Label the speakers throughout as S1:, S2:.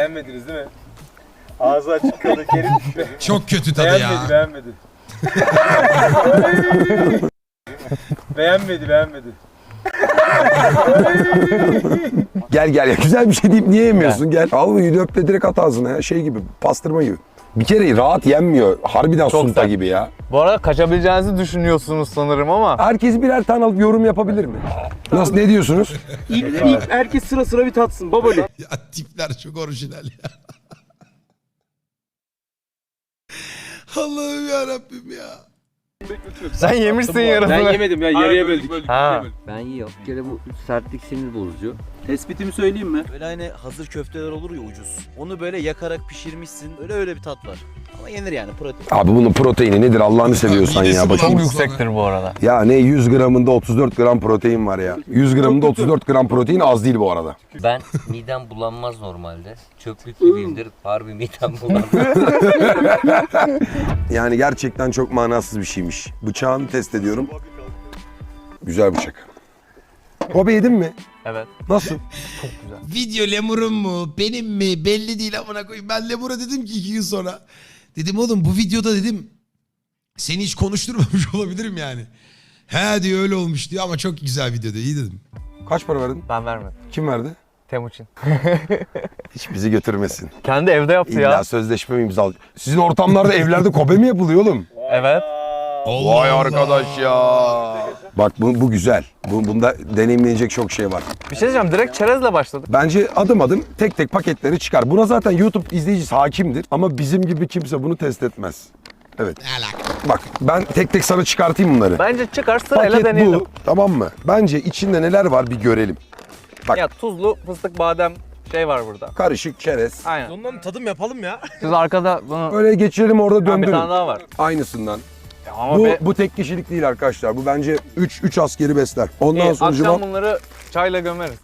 S1: Beğenmediniz değil mi? Ağzı açık kaldı Kerim.
S2: Çok kötü tadı ya.
S1: Beğenmedi. Beğenmedi.
S3: Gel ya, güzel bir şey deyip niye yemiyorsun? Gel. Al bir öp de direkt at ağzına ya. Şey gibi, pastırma gibi. Bir kere rahat yenmiyor. Harbiden
S4: Çok
S3: sunta
S4: sert.
S3: gibi ya.
S4: Bu arada kaçabileceğinizi düşünüyorsunuz sanırım ama.
S3: Herkes birer tane alıp yorum yapabilir mi? Nasıl, ne diyorsunuz?
S1: İlk herkes sıra bir tatsın babali.
S2: Ya tipler çok orijinal ya. Allah'ım yarabbim ya.
S4: Sen yemişsin yarısını.
S1: Ben yemedim ya, yarıya böldük.
S4: Ha.
S5: Ben yiyorum. Bir kere bu sertlik sinir bozucu.
S1: Tespitimi söyleyeyim mi?
S6: Böyle hani hazır köfteler olur ya ucuz. Onu böyle yakarak pişirmişsin. Öyle bir tat var. Ama yenir yani protein.
S3: Abi bunun proteini nedir Allah'ını seviyorsan
S2: Midesi
S3: ya.
S2: bulandı.
S3: Bakayım.
S4: Çok yüksektir bu arada.
S3: Ya ne 100 gramında 34 gram protein var ya. 100 gramında 34 gram protein az değil bu arada.
S5: Ben midem bulanmaz normalde. Çöplük gibiyimdir. Harbi midem bulanmaz.
S3: Yani gerçekten çok manasız bir şeymiş. Bıçağını test ediyorum. Güzel bıçak. Kobe yedin mi?
S4: Evet.
S3: Nasıl?
S2: Video lemurun mu benim mi belli değil amına koyayım. Ben lemura dedim ki 2 gün sonra. Dedim oğlum bu videoda dedim seni hiç konuşturmamış olabilirim yani. He diyor öyle olmuş diyor ama çok güzel video diyor. İyi dedim.
S3: Kaç para verdin?
S4: Ben vermedim.
S3: Kim verdi?
S4: Temuçin.
S3: Hiç bizi götürmesin.
S4: Kendi evde yaptı
S3: İlla
S4: ya.
S3: sözleşme mi imzal? Sizin ortamlarda evlerde Kobe mi yapılıyor oğlum?
S4: Evet.
S2: Allah
S3: Vay
S2: Allah.
S3: arkadaş ya. Bak bu güzel. Bunda deneyimlenecek çok şey var.
S4: Bir şey diyeceğim, direkt çerezle başladık.
S3: Bence adım adım tek tek paketleri çıkar. Buna zaten YouTube izleyicisi hakimdir. Ama bizim gibi kimse bunu test etmez. Evet.
S2: Ne alaka?
S3: Bak ben tek tek sana çıkartayım bunları.
S4: Bence çıkar sırayla
S3: Paket
S4: deneyelim.
S3: bu. Tamam mı? Bence içinde neler var bir görelim. Bak.
S4: Ya tuzlu fıstık badem şey var burada.
S3: Karışık çerez.
S4: Aynen.
S6: Ondan tadım yapalım ya.
S4: Siz arkada bunu...
S3: Böyle geçirelim orada
S4: Ha, bir
S3: döndürün.
S4: tane daha var.
S3: Aynısından.
S4: Ya ama
S3: Bu tek kişilik değil arkadaşlar. Bu bence 3 askeri besler. Ondan
S4: İyi,
S3: sonra
S4: akşam bunları çayla gömeriz.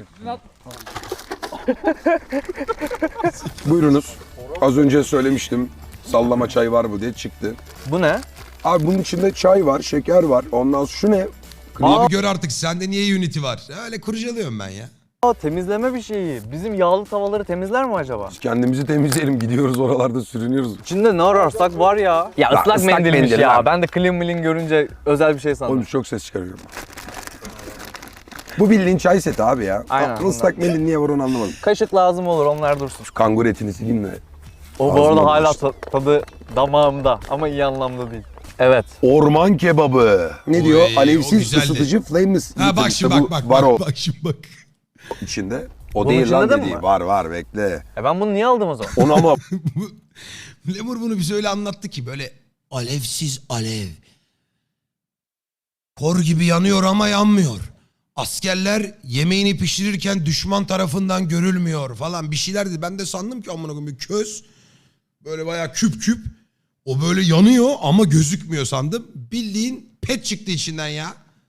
S3: buyurunuz. Az önce söylemiştim. Sallama çay var bu diye çıktı.
S4: Bu ne?
S3: Abi bunun içinde çay var, şeker var. Ondan sonra şu ne?
S2: Abi gör artık sende niye Unity var? Öyle kurcalıyorum ben ya.
S4: Aa, temizleme bir şeyi. Bizim yağlı tavaları temizler mi acaba?
S3: Biz kendimizi temizleyelim. Gidiyoruz oralarda sürünüyoruz.
S4: İçinde ne ararsak var ya. Ya
S3: Lan
S4: ıslak
S3: ıslak
S4: mendilmiş
S3: mendil
S4: ya.
S3: lan.
S4: Ben de clean milin görünce özel bir şey sandım.
S3: Oğlum çok ses çıkarıyorum. Bu bildiğin çay seti abi ya.
S4: Aynen,
S3: Islak mendil niye var onu anlamadım.
S4: Kaşık lazım olur, onlar dursun.
S3: Şu kangur etini sileyim de.
S4: O bu arada
S3: Ağzıma
S4: hala
S3: bulaştı.
S4: tadı damağımda ama iyi anlamda değil. Evet.
S3: Orman kebabı. Ne
S2: Oy,
S3: diyor?
S2: o
S3: Alevsiz
S2: güzeldi.
S3: ısıtıcı flameless.
S2: Ha bak
S3: İşte
S2: şimdi
S3: bu
S2: bak
S3: var o
S2: bak şimdi bak.
S3: içinde. O
S4: Bunun
S3: değil
S4: içinde
S3: lan
S4: de mi
S3: dediği.
S4: var?
S3: Var bekle.
S4: Ben bunu niye aldım o zaman?
S3: Onu ama
S2: Lemur bunu bize öyle anlattı ki böyle alevsiz alev. Kor gibi yanıyor ama yanmıyor. Askerler yemeğini pişirirken düşman tarafından görülmüyor falan bir şeyler dedi. Ben de sandım ki amına koyayım bir köz böyle bayağı küp küp. O böyle yanıyor ama gözükmüyor sandım. Bildiğin pet çıktı içinden ya.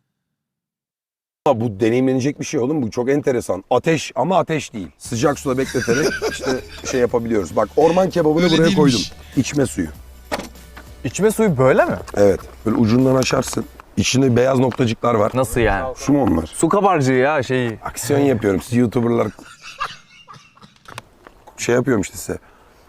S3: bu deneyimlenecek bir şey oğlum. Bu çok enteresan. Ateş ama ateş değil. Sıcak suda bekleterek işte şey yapabiliyoruz. Bak orman kebabını
S2: Öyle
S3: buraya
S2: değilmiş.
S3: koydum. İçme suyu.
S4: İçme suyu böyle mi?
S3: Evet. Böyle ucundan açarsın. İçinde beyaz noktacıklar var.
S4: Nasıl yani?
S3: Su mu onlar?
S4: Su kabarcığı ya şeyi.
S3: Aksiyon yapıyorum. Siz YouTuber'lar şey yapıyorum işte size.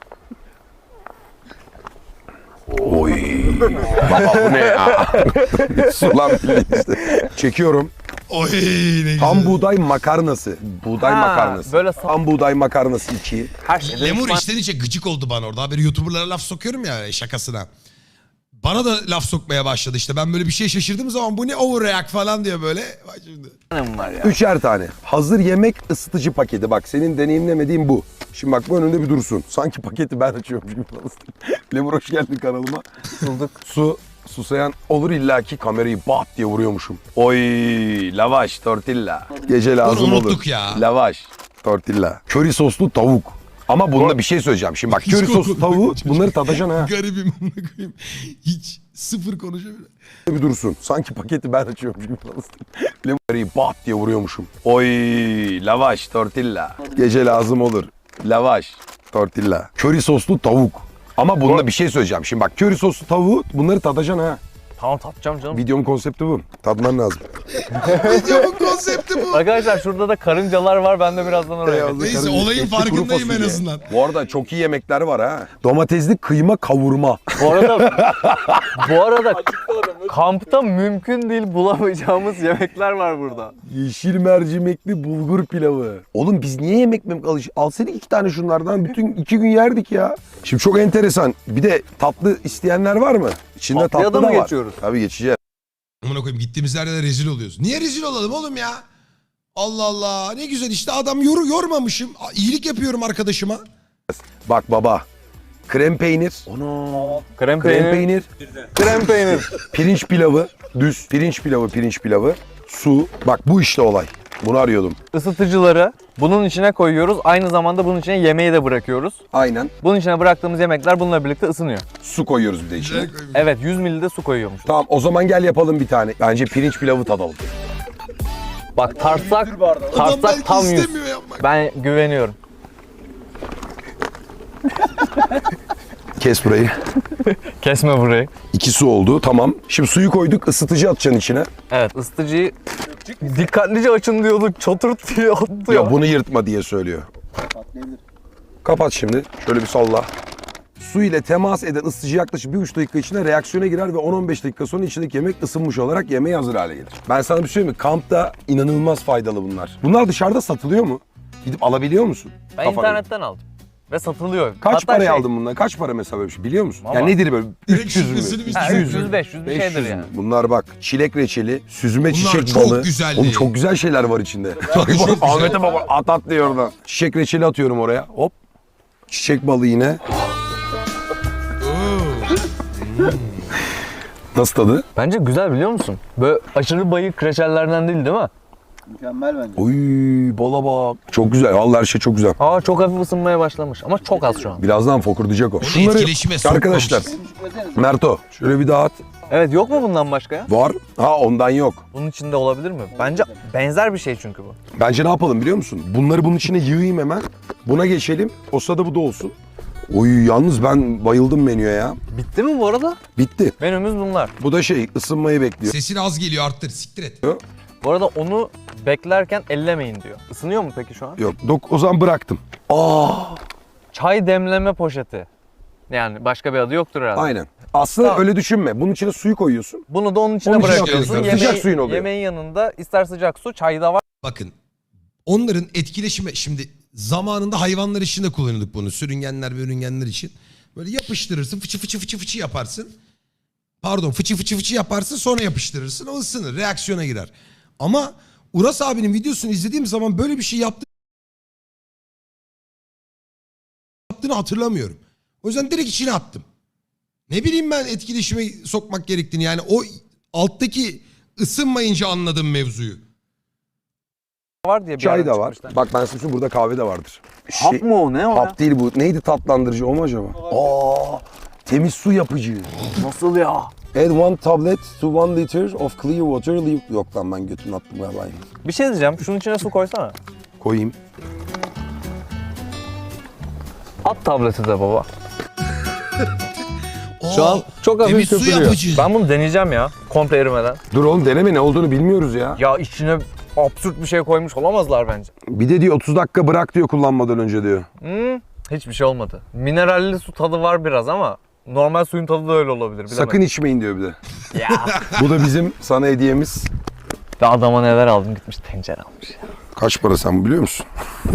S3: Oy. Baba bu ne ya? Sulan bildiğin işte. Çekiyorum.
S2: Oy ne güzel.
S3: Tam buğday makarnası. Buğday
S4: Ha,
S3: makarnası.
S4: böyle
S3: Tam buğday makarnası 2.
S4: Her şey.
S2: Lemur içten içe gıcık oldu bana orada. Haberi YouTuber'lara laf sokuyorum ya şakasına. Bana da laf sokmaya başladı işte. Ben böyle bir şey şaşırdığım zaman bu ne overreact falan diyor böyle. Bak şimdi.
S4: var ya.
S3: 3'er tane. Hazır yemek ısıtıcı paketi. Bak senin deneyimlemediğin bu. Şimdi bak bu önünde bir dursun. Sanki paketi ben açıyormuş gibi. Lemur hoş geldin kanalıma.
S4: Bulduk.
S3: Susayan olur illaki kamerayı bat diye vuruyormuşum. Oy lavaş tortilla. Gece lazım
S2: Bunu
S3: olur.
S2: unuttuk ya.
S3: Lavaş tortilla. Köri soslu tavuk. Ama bunda bir şey söyleyeceğim. Şimdi bak
S2: Hiç
S3: köri soslu
S2: konuşmadım.
S3: tavuğu bunları tadacaksın ha.
S2: Garibim amına koyayım. Hiç sıfır konuşamıyorum.
S3: Bir dursun. Sanki paketi ben açıyormuş gibi. Kamerayı bat diye vuruyormuşum. Oy lavaş tortilla. Gece lazım olur. Lavaş tortilla. Köri soslu tavuk. Ama bunda bir şey söyleyeceğim. Şimdi bak köri soslu tavuğu bunları tadacaksın ha.
S4: Tamam tatacağım canım.
S3: Videomun konsepti bu. Tadman lazım.
S2: Videomun konsepti bu.
S4: Arkadaşlar şurada da karıncalar var. Ben de birazdan oraya
S3: Beyaz.
S4: gideceğim.
S2: Neyse
S3: Karınca,
S2: olayın
S3: etli kuru
S2: farkındayım en
S3: fasulye.
S2: azından.
S3: Bu arada çok iyi yemekler var ha. Domatesli kıyma kavurma.
S4: Bu arada kampta mümkün değil bulamayacağımız yemekler var burada.
S3: Yeşil mercimekli bulgur pilavı. Oğlum biz niye yemek alsaydık 2 tane şunlardan bütün 2 gün yerdik ya. Şimdi çok enteresan. Bir de tatlı isteyenler var mı? İçinde
S4: Tatlıya
S3: tatlı
S4: da
S3: da
S4: mı
S3: var.
S4: geçiyoruz?
S3: Tabii geçeceğiz.
S2: Amına koyayım gittiğimiz yerde de rezil oluyoruz. Niye rezil olalım oğlum ya? Allah Allah ne güzel işte adam yormamışım. İyilik yapıyorum arkadaşıma.
S3: Bak baba. Krem peynir.
S4: Krem
S3: Krem
S4: peynir.
S3: peynir.
S4: Krem peynir.
S3: Pirinç pilavı. Düz. Pirinç pilavı. Su. Bak bu işte olay. Bunu arıyordum.
S4: Isıtıcıları bunun içine koyuyoruz. Aynı zamanda bunun içine yemeği de bırakıyoruz.
S3: Aynen.
S4: Bunun içine bıraktığımız yemekler bununla birlikte ısınıyor.
S3: Su koyuyoruz bir de içine.
S4: Evet 100 ml de su koyuyormuş.
S3: Tamam o zaman gel yapalım bir tane. Bence pirinç pilavı tadalım.
S4: Bak tartsak
S2: Adam belki
S4: tam 100.
S2: istemiyor yapmak.
S4: Ben güveniyorum.
S3: Kes burayı.
S4: Kesme burayı.
S3: 2 su oldu tamam. Şimdi suyu koyduk ısıtıcı atacaksın içine.
S4: Evet ısıtıcıyı dikkatlice açın diyorduk. Çoturt diye attı
S3: Ya bunu yırtma diye söylüyor. Kapat şimdi. Şöyle bir salla. Su ile temas eden ısıtıcı yaklaşık 1,5 dakika içinde reaksiyona girer ve 10-15 dakika sonra içindeki yemek ısınmış olarak yemeğe hazır hale gelir. Ben sana bir şey söyleyeyim mi? Kampta inanılmaz faydalı bunlar. Bunlar dışarıda satılıyor mu? Gidip alabiliyor musun?
S4: Ben
S3: Kafana.
S4: internetten aldım. Ve satılıyor.
S3: Kaç
S4: Hatta
S3: paraya aldın bundan? Kaç para mesela böyle bir şey biliyor musun?
S4: Valla.
S3: Yani nedir böyle?
S2: Direkt
S3: 300 mü?
S2: şifresini biz
S4: 200,
S2: çözüyoruz.
S4: 500 bir şeydir yani.
S3: Bunlar bak çilek reçeli, süzme
S2: Bunlar
S3: çiçek
S2: çok
S3: balı.
S2: güzeldi.
S3: Oğlum çok güzel şeyler var içinde.
S2: Çok güzel.
S3: Ahmet'e bak at diyor oradan. Çiçek reçeli atıyorum oraya. Hop. Çiçek balı yine. Nasıl tadı?
S4: Bence güzel biliyor musun? Böyle aşırı bayık reçellerden değil mi?
S1: Mükemmel bence.
S3: Oy bala bak. Çok güzel. Vallahi her şey çok güzel.
S4: Aa çok hafif ısınmaya başlamış ama çok az şu an.
S3: Birazdan fokurdayacak o.
S2: etkileşime
S3: arkadaşlar.
S2: sokmamışız.
S3: Merto şöyle bir dağıt.
S4: Evet yok mu bundan başka ya?
S3: Var. Ha ondan yok.
S4: Bunun içinde olabilir mi? Bence benzer bir şey çünkü bu.
S3: Bence ne yapalım biliyor musun? Bunları bunun içine yığayım hemen. Buna geçelim. O sırada bu da olsun. Oy yalnız ben bayıldım menüye ya.
S4: Bitti mi bu arada?
S3: Bitti.
S4: Menümüz bunlar.
S3: Bu da şey ısınmayı bekliyor.
S2: Sesin az geliyor arttır siktir et.
S4: Bu arada onu beklerken ellemeyin diyor. Isınıyor mu peki şu an?
S3: Yok o zaman bıraktım.
S4: Çay demleme poşeti. Yani başka bir adı yoktur herhalde.
S3: Aynen. Aslında
S4: Tamam.
S3: öyle düşünme. Bunun içine suyu koyuyorsun.
S4: Bunu da onun içine
S3: Onun içine
S4: bırakıyorsun.
S3: atıyorsun. Sıcak suyun oluyor.
S4: Yemeğin yanında ister sıcak su, çay da var.
S2: Bakın onların etkileşime şimdi zamanında hayvanlar için de kullanıyorduk bunu. Sürüngenler ve ürüngenler için. Böyle yapıştırırsın fıçı fıçı fıçı fıçı yaparsın. Pardon fıçı fıçı fıçı yaparsın sonra yapıştırırsın o ısınır reaksiyona girer. Ama Uras abinin videosunu izlediğim zaman böyle bir şey yaptığını hatırlamıyorum. O yüzden direkt içine attım. Ne bileyim ben etkileşime sokmak gerektiğini yani o alttaki ısınmayınca anladım mevzuyu.
S4: Var diye bir
S3: Çay
S4: yerden
S3: da var.
S4: çıkmışlar.
S3: Bak ben size söyleyeyim, burada kahve de vardır.
S4: Hap mı o ne o?
S3: Hap değil bu. Neydi tatlandırıcı o mu acaba? Temiz su yapıcı.
S4: Nasıl ya?
S3: Add 1 tablet to 1 liter of clear water. Yok lan ben götümü attım galiba.
S4: Bir şey diyeceğim. Şunun içine su koysana.
S3: Koyayım.
S4: At tableti de baba. Şu
S2: Oo,
S4: an çok hafif
S2: temiz su
S4: köpürüyor.
S2: yapıcı.
S4: Ben bunu deneyeceğim ya. Komple erimeden.
S3: Dur oğlum deneme ne olduğunu bilmiyoruz ya.
S4: Ya içine absürt bir şey koymuş olamazlar bence.
S3: Bir de diyor 30 dakika bırak diyor kullanmadan önce diyor.
S4: Hiçbir şey olmadı. Mineralli su tadı var biraz ama normal suyun tadı da öyle olabilir. Bilemedim.
S3: Sakın içmeyin diyor bir de.
S4: Ya.
S3: Bu da bizim sana hediyemiz.
S4: Ve adama neler aldım gitmiş tencere almış ya.
S3: Kaç para sen biliyor musun?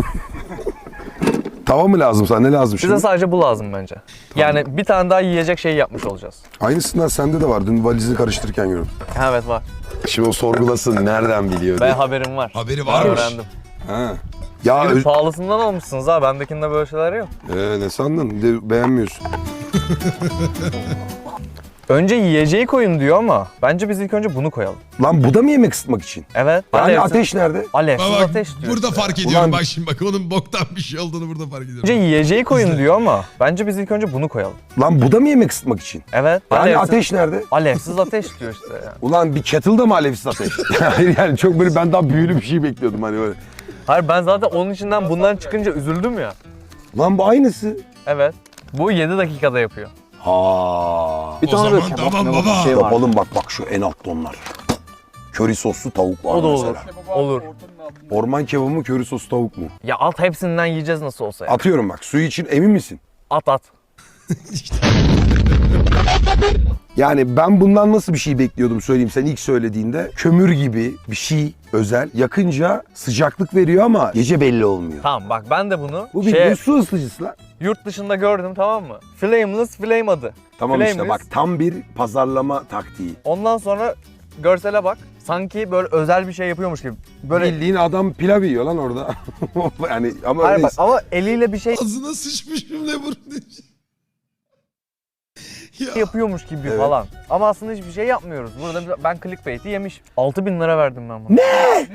S3: Tava mı lazım sana ne lazım şimdi?
S4: Bize sadece bu lazım bence. Yani bir tane daha yiyecek şey yapmış olacağız.
S3: Aynısından sende de var. Dün valizini karıştırırken gördüm.
S4: Evet var.
S3: Şimdi o sorgulasın nereden biliyor
S4: Ben
S3: diye.
S4: haberim var.
S2: Haberi
S4: Ben
S2: varmış.
S4: öğrendim.
S3: Ha. Ya
S4: Gidip pahalısından almışsınız ha. Bendekinde böyle şeyler yok.
S3: ne sandın? Bir de beğenmiyorsun.
S4: Önce yiyeceği koyun diyor ama bence biz ilk önce bunu koyalım.
S3: Lan bu da mı yemek ısıtmak için?
S4: Evet.
S3: Yani ateş nerede?
S4: Alevsiz
S2: Bak,
S4: ateş diyor.
S2: burada
S4: işte.
S2: fark ediyorum
S3: Ulan-
S2: bak şimdi bak onun boktan bir şey olduğunu burada fark ediyorum.
S4: Önce yiyeceği koyun diyor ama bence biz ilk önce bunu koyalım.
S3: Lan bu da mı yemek ısıtmak için?
S4: Evet.
S3: Yani ateş nerede?
S4: Alevsiz ateş diyor işte yani.
S3: Ulan bir kettle'da mı alevsiz ateş? Hayır yani çok böyle ben daha büyülü bir şey bekliyordum hani böyle.
S4: Hayır ben zaten onun içinden bundan çıkınca üzüldüm ya.
S3: Lan bu aynısı.
S4: Evet. Bu 7 dakikada yapıyor.
S3: Ha.
S7: Bir
S2: O
S7: tane böyle
S2: zaman
S7: kebap
S2: tamam
S7: mebap
S2: baba.
S7: bir şey var.
S3: Yapalım bak şu en altta onlar. Köri soslu tavuk var
S4: O da olur.
S3: mesela.
S4: Olur.
S3: Orman kebabı mı köri soslu tavuk mu?
S4: Ya at hepsinden yiyeceğiz nasıl olsa ya.
S3: Atıyorum bak suyu için emin misin?
S4: At.
S3: Yani ben bundan nasıl bir şey bekliyordum söyleyeyim sen ilk söylediğinde. Kömür gibi bir şey özel. Yakınca sıcaklık veriyor ama gece belli olmuyor.
S4: Tamam bak ben de bunu
S3: Bu bildiğin su ısıtıcısı lan.
S4: yurt dışında gördüm, tamam mı? Flameless Flame adı.
S3: Tamam işte
S4: Flameless.
S3: bak tam bir pazarlama taktiği.
S4: Ondan sonra görsele bak. Sanki böyle özel bir şey yapıyormuş gibi. Böyle
S3: Bildiğin adam pilav yiyor lan orada. Yani ama
S4: hayır
S3: öyle
S4: bak ama eliyle bir şey
S2: Ağzına sıçmışım lemur diye. Ya.
S4: yapıyormuş gibi
S3: Evet.
S4: falan. Ama aslında hiçbir şey yapmıyoruz. Burada ben clickbait'i yemiş. 6.000 lira verdim ben buna.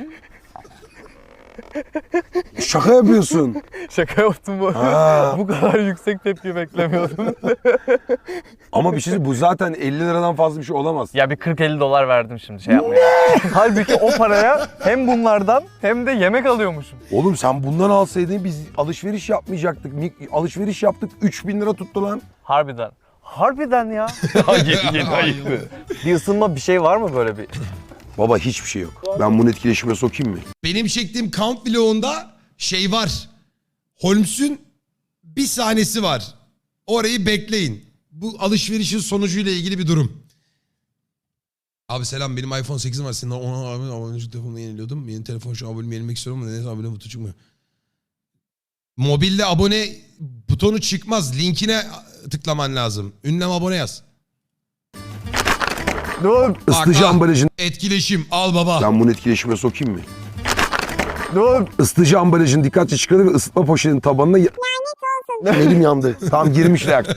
S3: şaka yapıyorsun.
S4: Şaka yaptım bu.
S3: Ha.
S4: Bu kadar yüksek tepki beklemiyordum.
S3: Ama bir şey bu zaten 50 liradan fazla bir şey olamaz.
S4: Ya bir 40-50 dolar verdim şimdi şey yapmaya. Halbuki o paraya hem bunlardan hem de yemek alıyormuşum.
S3: Oğlum sen bundan alsaydın biz alışveriş yapmayacaktık. Alışveriş yaptık 3000 lira tuttu lan.
S4: Harbiden. Harbiden ya. Yeni ayıktı. Bir ısınma bir şey var mı böyle bir?
S3: Baba hiçbir şey yok. Ben bunu etkileşime sokayım mı?
S2: Benim çektiğim kamp vlogunda şey var. Holmes'un bir sahnesi var. Orayı bekleyin. Bu alışverişin sonucuyla ilgili bir durum. Abi selam, benim iPhone 8'im var. Senin ona abonelik telefonunu yeniliyordum. Yeni telefon şu an abonemi yenilemek istiyorum ama neyse abone butonu çıkmıyor. Mobilde abone butonu çıkmaz. Linkine tıklaman lazım. Ünlem abone yaz.
S4: Dur.
S3: Isıtıcı
S2: al.
S3: ambalajın...
S2: Etkileşim al baba.
S3: Ben bunu etkileşime sokayım mı?
S4: Dur.
S3: Isıtıcı ambalajın dikkatli çıkardı ve ısıtma poşetinin tabanına... Elim yandı. Tam girmiş reaktör.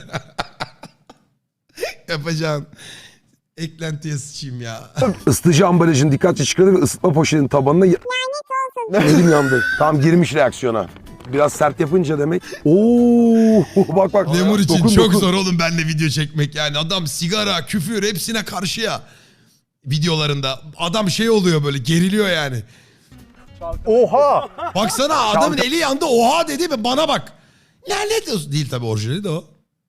S2: Yapacağın. Eklentiye sıçayım ya.
S3: Isıtıcı ambalajın dikkatli çıkardı ve ısıtma poşetinin tabanına... Elim yandı. Tam girmiş reaksiyona. Biraz sert yapınca demek. Oo, bak.
S2: Lemur için
S3: Dokun,
S2: çok
S3: dokun.
S2: zor oğlum benimle video çekmek yani. Adam sigara, küfür hepsine karşı ya. Videolarında. Adam şey oluyor böyle, geriliyor yani.
S4: Oha.
S2: Baksana adamın eli yandı, oha dedi ve bana bak. Lanet olsun. Değil tabii, orijinali de o.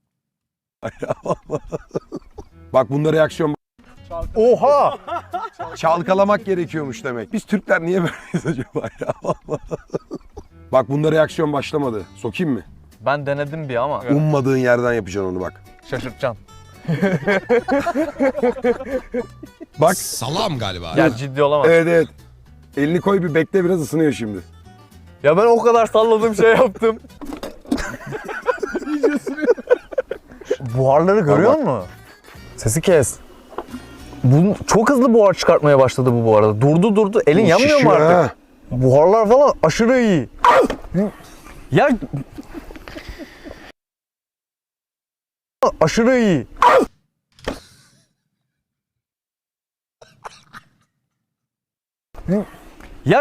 S3: Bak bunda reaksiyon...
S4: Oha.
S3: Çalkalamak gerekiyormuş demek. Biz Türkler niye böyleyiz acaba ya? Bak bunda reaksiyon başlamadı. Sokayım mı?
S4: Ben denedim bir ama.
S3: Ummadığın yerden yapacaksın onu bak.
S4: Şaşırtacaksın.
S3: Bak.
S2: Salam galiba.
S4: Ya ciddi olamaz.
S3: Evet. Elini koy bir bekle, biraz ısınıyor şimdi.
S4: Ya ben o kadar salladığım şey yaptım. Buharları görüyor musun? Sesi kes. Bu çok hızlı buhar çıkartmaya başladı bu arada. Durdu. Elin yanmıyor mu
S3: Şişiyor
S4: artık?
S3: ha.
S4: Buharlar falan aşırı iyi. Ya aşırı iyi. Ya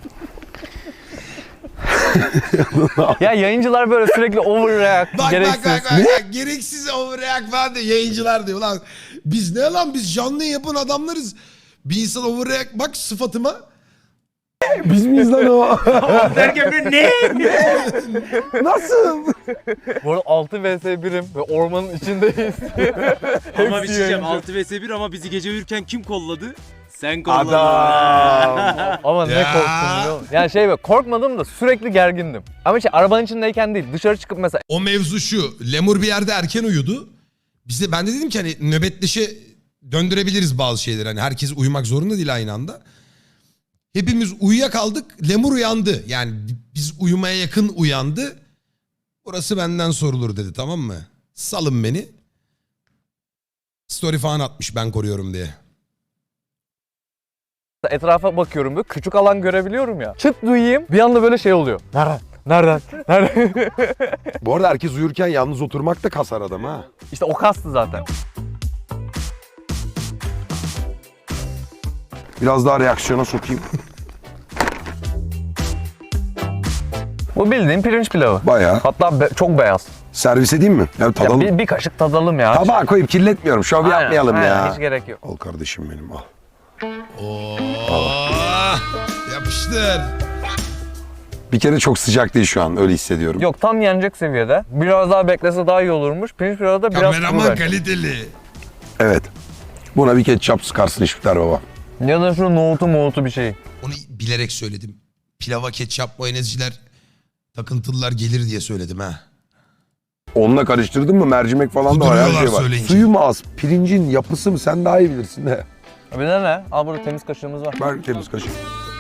S4: ya yayıncılar böyle sürekli overreact,
S2: Bak,
S4: gereksiz.
S2: bak. Gereksiz overreact falan diyor. Yayıncılar diyor lan. Biz ne lan, biz canlı yapan adamlarız. Bir insan overreact, bak sıfatıma.
S3: Biz miyiz lan o?
S1: Derken ben ne?
S3: Nasıl?
S4: Bu arada 6 vs 1'im ve ormanın içindeyiz.
S1: Ama bir şey diyeceğim,
S4: yayıncı.
S1: 6 vs 1 ama bizi gece uyurken kim kolladı? Sen kolladın.
S3: Adam.
S4: Ama ne
S2: Ya.
S4: korktum biliyor musun? Yani şey böyle korkmadım da sürekli gergindim. Ama şey arabanın içindeyken değil, dışarı çıkıp mesela
S2: O mevzu şu. Lemur bir yerde erken uyudu. Bize, ben de dedim ki hani nöbetleşe döndürebiliriz bazı şeyleri. Hani herkes uyumak zorunda değil aynı anda. Hepimiz uyuyakaldık. Lemur uyandı. Yani biz uyumaya yakın uyandı. Burası benden sorulur dedi, tamam mı? Salın beni. Story falan atmış ben koruyorum diye.
S4: etrafa bakıyorum böyle küçük alan görebiliyorum ya. Çıt duyayım bir anda böyle şey oluyor. Nereden?
S3: Bu arada herkes uyurken yalnız oturmak da kasar adam ha.
S4: İşte o kastı zaten.
S3: Biraz daha reaksiyona sokayım.
S4: Bu bildiğin pirinç pilavı.
S3: Bayağı.
S4: Hatta çok beyaz.
S3: Servis edeyim mi? Ya
S4: Ya
S3: tadalım.
S4: bir kaşık tadalım ya.
S3: Tabağa koyup kirletmiyorum. Şov
S4: Aynen,
S3: yapmayalım
S4: aynen,
S3: ya.
S4: hiç gerek yok.
S3: Al kardeşim benim al.
S2: Oo, yapıştır.
S3: Bir kere çok sıcak değil şu an, öyle hissediyorum.
S4: Yok, tam yenecek seviyede. Biraz daha beklese daha iyi olurmuş. Pirinç pilavı da biraz kuru
S2: Kameraman
S4: bence.
S2: kaliteli.
S3: Evet. Buna bir ketçap sıkarsın İşbiter baba.
S4: Ya da şu nohutu bir şey.
S2: Onu bilerek söyledim. Pilava ketçap mayonezciler takıntılılar gelir diye söyledim ha.
S3: Onunla karıştırdın mı mercimek falan da var, her
S2: Kuduruyorlar
S3: şey var.
S2: söyleyince.
S3: Suyu mu az, pirincin yapısı mı sen daha iyi bilirsin de.
S4: Bir de ne? Al burada temiz kaşığımız var.
S3: Ver temiz kaşık.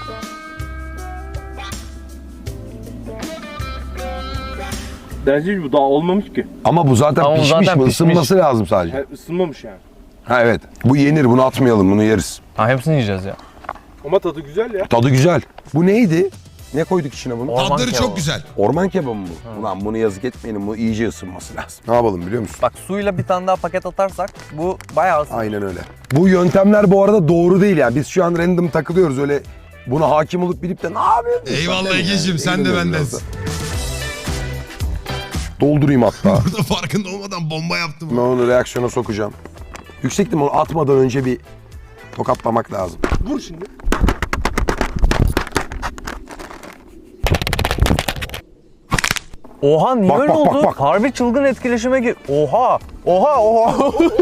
S7: Bence bu daha olmamış ki.
S3: Ama bu zaten
S4: Ama bu
S3: pişmiş
S4: zaten
S3: mi?
S4: pişmiş.
S3: Isınması lazım sadece.
S7: Yani ısınmamış yani.
S3: Ha evet. Bu yenir, bunu atmayalım, bunu yeriz.
S4: Ha, hepsini yiyeceğiz ya.
S7: Ama tadı güzel ya.
S3: Tadı güzel. Bu neydi? Ne koyduk içine bunu?
S4: Orman
S2: Tadları
S4: kebabı.
S2: çok güzel.
S3: Orman kebabı mı bu? Ulan bunu yazık etmeyelim, bu iyice ısınması lazım. Ne yapalım biliyor musun?
S4: Bak, suyla bir tane daha paket atarsak bu bayağı ısınır.
S3: Aynen öyle. Bu yöntemler bu arada doğru değil yani. Biz şu an random takılıyoruz, öyle buna hakim olup bilip de ne yapıyorsun?
S2: Eyvallah Ege'cim, sen de bendensin.
S3: Doldurayım hatta.
S2: Burada farkında olmadan bomba yaptım.
S3: Ben onu reaksiyona sokacağım. Yüksek ihtimal atmadan önce bir tokatlamak lazım.
S7: Vur şimdi.
S4: Oha, niye
S3: Bak,
S4: öyle
S3: bak,
S4: oldu?
S3: bak, bak.
S4: Harbi çılgın etkileşime gir. Oha! Oha!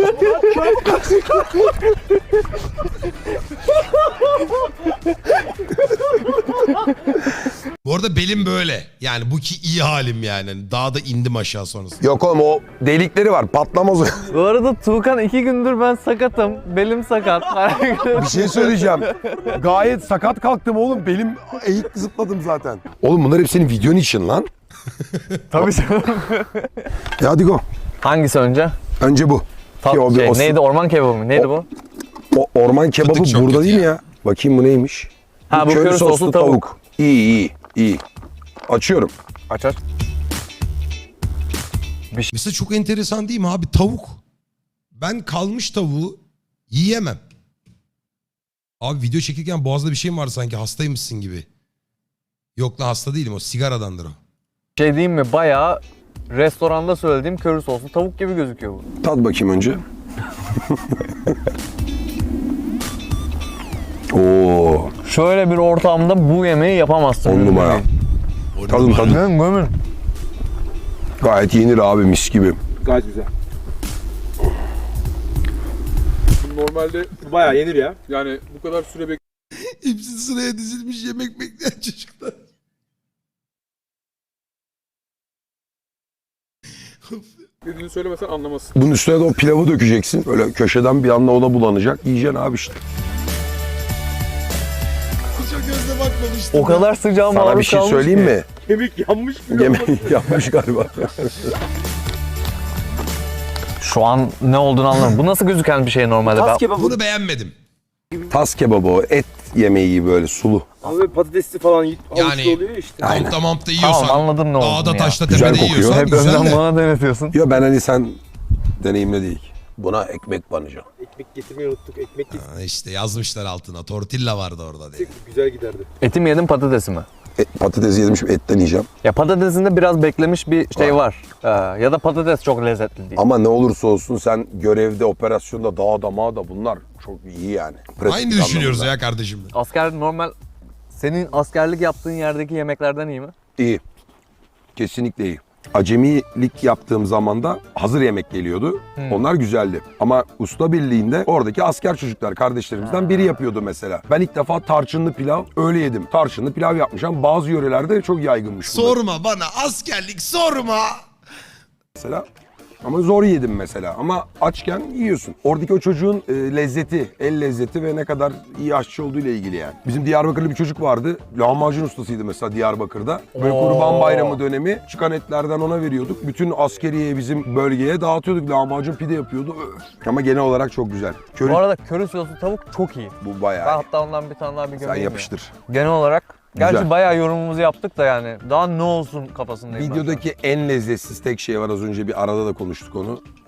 S2: Bu arada belim böyle. Yani bu ki iyi halim yani. Hani daha da indim aşağı sonrasında.
S3: Yok oğlum, o delikleri var, patlamaz o.
S4: Bu arada Tuğkan 2 gündür ben sakatım. Belim sakat.
S3: Bir şey söyleyeceğim. Gayet sakat kalktım oğlum. Belim eğik zıpladım zaten. Oğlum bunlar hep senin videon için lan.
S4: Tabii canım.
S3: Hadi go.
S4: Hangisi önce?
S3: Önce bu. Ki o bir- o-
S4: Neydi, orman kebabı mı? Neydi bu?
S3: O orman kebabı
S2: Fıtık çok
S3: burada
S2: kötü
S3: değil mi
S2: ya.
S3: ya? Bakayım bu neymiş?
S4: Ha, bu köri soslu tavuk.
S3: İyi. Açıyorum.
S4: Aç aç.
S2: Mesela çok enteresan değil mi abi? Tavuk. Ben kalmış tavuğu yiyemem. Abi video çekirken boğazda bir şey mi var sanki? Hastaymışsın gibi. Yok lan, hasta değilim, o sigaradandır o.
S4: Şey diyeyim mi? Bayağı restoranda söylediğim köri soslu tavuk gibi gözüküyor bu.
S3: Tat bakayım önce. Oo,
S4: Şöyle bir ortamda bu yemeği yapamazsın.
S3: 10 numara. Tadım.
S4: Gömün.
S3: Gayet yenir abi, mis gibi.
S7: Gayet güzel. Normalde bayağı yenir ya. Yani bu kadar süre
S2: Hepsi sıraya dizilmiş yemek bekleyen çocuklar.
S7: beklediğini söylemesen anlamazsın.
S3: Bunun üstüne de o pilavı dökeceksin. Böyle köşeden bir anda ona bulanacak. Yiyeceksin abi işte.
S2: Çok gözle bakmamıştım.
S4: O kadar sıcağı
S3: Sana bir
S4: maruz
S3: şey
S4: kalmış
S3: söyleyeyim
S4: ki.
S3: mi?
S7: Kemik yanmış gibi.
S3: Yemek yapmış galiba.
S4: Şu an ne olduğunu anlamadım. Bu nasıl gözüken bir şey normalde?
S7: Tas
S4: Ben...
S7: kebabı
S2: Bunu beğenmedim.
S3: Tas kebabı o. Et yemeği gibi böyle sulu.
S7: ama böyle patatesli falan
S2: Yani-
S7: yani, oluyor ya işte.
S3: Aynen.
S2: Kampta mampta yiyorsan.
S4: Tamam, anladım ne olduğunu
S2: Dağda
S4: ya.
S2: taşta
S3: Güzel
S2: tepede
S3: kokuyor.
S2: yiyorsan
S4: Hep
S2: güzel
S4: önden
S2: de.
S4: bana denetiyorsun.
S3: Yo, ben hani sen deneyimle değil. Buna ekmek banacağım.
S7: Ekmek getirmeyi unuttuk. Ekmek
S2: Ha, İşte yazmışlar altına. Tortilla vardı orada diye.
S7: getirsek güzel giderdi.
S4: Eti mi yedin, patatesi mi?
S3: Patates yedim, şimdi etten yiyeceğim.
S4: Ya patatesinde biraz beklemiş bir şey var. Ya da patates çok lezzetli değil.
S3: Ama ne olursa olsun sen görevde, operasyonda, dağda, mağda bunlar çok iyi yani. Pratik
S2: Aynı düşünüyoruz
S3: anlamında.
S2: ya kardeşim.
S4: Asker normal, senin askerlik yaptığın yerdeki yemeklerden iyi mi?
S3: İyi. Kesinlikle iyi. Acemilik yaptığım zaman da hazır yemek geliyordu. Onlar güzeldi. Ama usta birliğinde oradaki asker çocuklar kardeşlerimizden biri yapıyordu mesela. Ben ilk defa tarçınlı pilav öyle yedim. Tarçınlı pilav yapmışım. Bazı yörelerde çok yaygınmış bu da
S2: Sorma bana askerlik, sorma.
S3: mesela. Ama zor yedim mesela. Ama açken yiyorsun. Oradaki o çocuğun lezzeti, el lezzeti ve ne kadar iyi aşçı olduğu ile ilgili yani. Bizim Diyarbakırlı bir çocuk vardı. Lahmacun ustasıydı mesela Diyarbakır'da. Böyle Kurban Bayramı dönemi çıkan etlerden ona veriyorduk. Bütün askeriye, bizim bölgeye dağıtıyorduk. Lahmacun pide yapıyordu. Öf. Ama genel olarak çok güzel. Köri,
S4: Bu arada köri soslu tavuk çok iyi.
S3: bu
S4: Ben
S3: bayağı iyi.
S4: hatta ondan bir tane daha bir
S3: Sen
S4: gömeyim ya.
S3: yapıştır.
S4: Genel olarak, gerçi
S3: Güzel.
S4: bayağı yorumumuzu yaptık da yani. Daha ne olsun kafasındayım ben şu an.
S3: Videodaki en lezzetsiz tek şey var, az önce bir arada da konuştuk onu.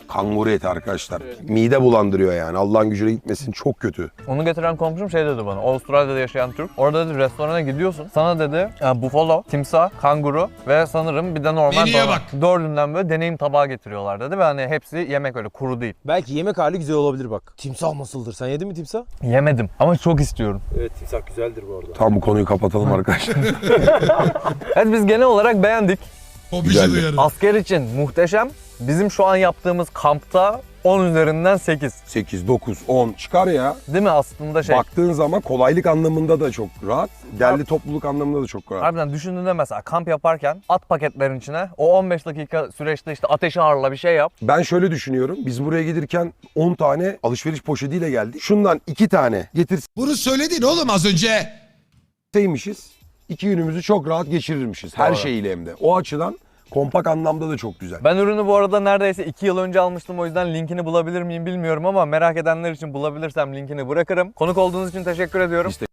S3: Kanguru eti arkadaşlar. Mide bulandırıyor yani. Allah'ın gücüne gitmesin, çok kötü.
S4: Onu getiren komşum şey dedi bana. Avustralya'da yaşayan Türk. Orada dedi restorana gidiyorsun. Sana dedi buffalo, timsah, kanguru ve sanırım bir de normal
S2: Menüye
S4: dana.
S2: bak.
S4: Dördünden böyle deneyim tabağı getiriyorlar dedi ve hani hepsi yemek öyle kuru değil.
S8: Belki yemek hali güzel olabilir bak. Timsah nasıldır? Sen yedin mi timsah?
S4: Yemedim ama çok istiyorum.
S8: Evet timsah güzeldir bu arada.
S3: Tam bu konuyu kapatalım arkadaşlar.
S4: Evet biz genel olarak beğendik.
S2: Hobici
S3: Güzeldi.
S2: duyarı.
S4: Asker için muhteşem. Bizim şu an yaptığımız kampta 10 üzerinden 8.
S3: 8, 9, 10 çıkar ya.
S4: Değil mi aslında şey?
S3: Baktığın zaman kolaylık anlamında da çok rahat. Derli topluluk anlamında da çok rahat.
S4: Harbiden düşündüğünde mesela kamp yaparken at paketlerin içine o 15 dakika süreçte işte ateşi harla bir şey yap.
S3: Ben şöyle düşünüyorum. Biz buraya gelirken 10 tane alışveriş poşetiyle geldik. Şundan 2 tane
S2: Bunu söyledin oğlum az önce.
S3: getirseymişiz 2 günümüzü çok rahat geçirirmişiz. Her
S4: Doğru.
S3: şeyiyle hem de. O açıdan kompak anlamda da çok güzel.
S4: Ben ürünü bu arada neredeyse 2 yıl önce almıştım, o yüzden linkini bulabilir miyim bilmiyorum ama merak edenler için bulabilirsem linkini bırakırım. Konuk olduğunuz için teşekkür ediyorum.
S3: İşte-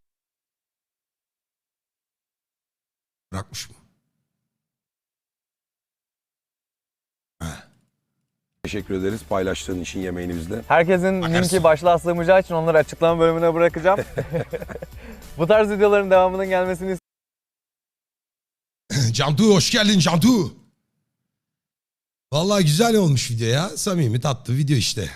S2: Bırakmış mı?
S3: Teşekkür ederiz paylaştığın için yemeğini bizle.
S4: Herkesin
S2: Bakarsın.
S4: linki başlığa sığmayacağı için onları açıklama bölümüne bırakacağım. Bu tarz videoların devamının gelmesini
S2: Cantu hoş geldin Cantu. Vallahi güzel olmuş video ya. Samimi tatlı video işte.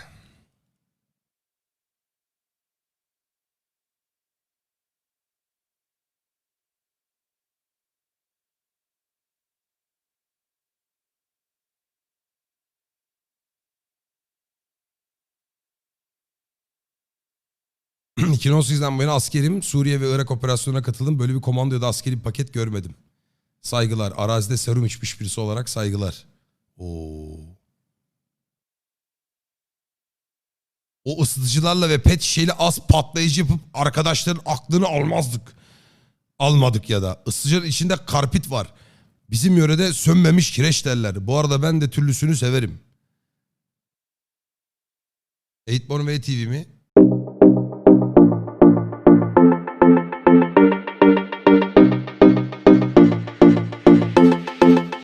S2: ...2018'den bu yana askerim. Suriye ve Irak operasyonuna katıldım. Böyle bir komando ya da askeri bir paket görmedim. Saygılar. Arazide serum içmiş birisi olarak saygılar. Oo. O ısıtıcılarla ve pet şişeyle az patlayıcı yapıp arkadaşların aklını almazdık. Almadık ya da. Isıtıcının içinde karpit var. Bizim yörede sönmemiş kireç derler. Bu arada ben de türlüsünü severim. 8born ve TV mi?